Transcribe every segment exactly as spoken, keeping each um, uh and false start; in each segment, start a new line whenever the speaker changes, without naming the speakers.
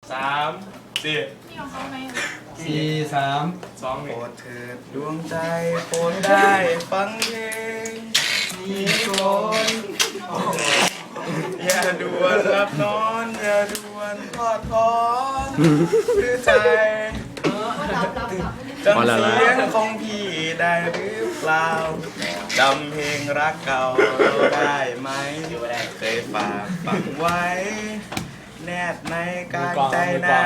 สามสี่
นี่ของเขาไหม
สี่สาม
สองห
โป
นึ่
รง ดเถิดดวงใจโปรดได้ฟังเพลงนี้ก่อนอย่าด่วนหลับนอนอย่าด่วนทอดถอนหรือใจจำเสียงของพี่ได้หรือเปล่าจำเพลงรักเก่าได้ไหมเคยฝากฝังไว้ แนบในกายใจนา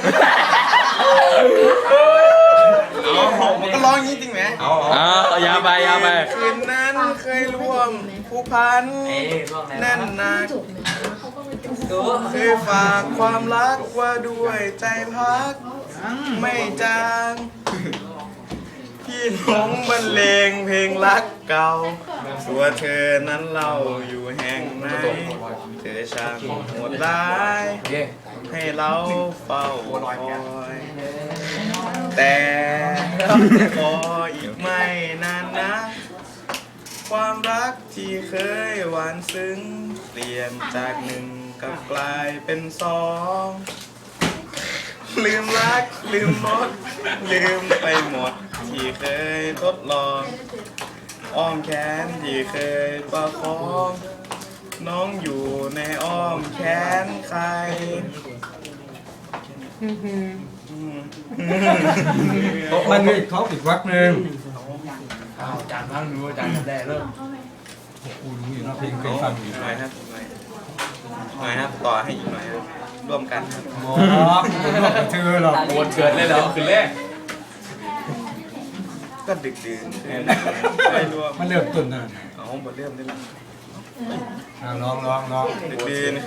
เอาผมก็ร้องอย่างนี้จริงไหม
เอา
อ่ายาวไปยาวไป
คืนนั้นเคยร่วมผูกพันแน่นหนักเคยฝากความรักว่าด้วยใจพัก ไม่จางพี่หลงบรรเลงเพลงรักเก่าตัวเธอนั้นเราอยู่แห่งไหนเธอช่างโหดร้ายให้เราเฝ้าคอยแต่ขออีกไม่นานนะความรักที่เคยหวานซึ้งเปลี่ยนจากหนึ่งกลับกลายเป็นสองลืมรักลืมหมดลืมไปหมดที่เคยทดลองอ้อมแขนที่เคยประคองน้องอยู่ในอ้อมแขนใคร
มันมีเขาอีกวักหนึ่ง
เอาจานพังดูจานแรกเริ่ม
กูรู้อยู่นะเพลงเคยฟังอยู่
หน่อยครับหน่อยหน่อยครับต่อให้อีกหน่อยครับร่วมกันครับ
หมอคุณบอกกับเธอหรอก
ปวดเกิดเลยแล้วคืนแรก
ก็ดึกดื่นไม่รวม
มันเริ่มต้นนั่น
เอาบทเริ่มได้แล้ว
ลองลองลอง
ดึกดื่น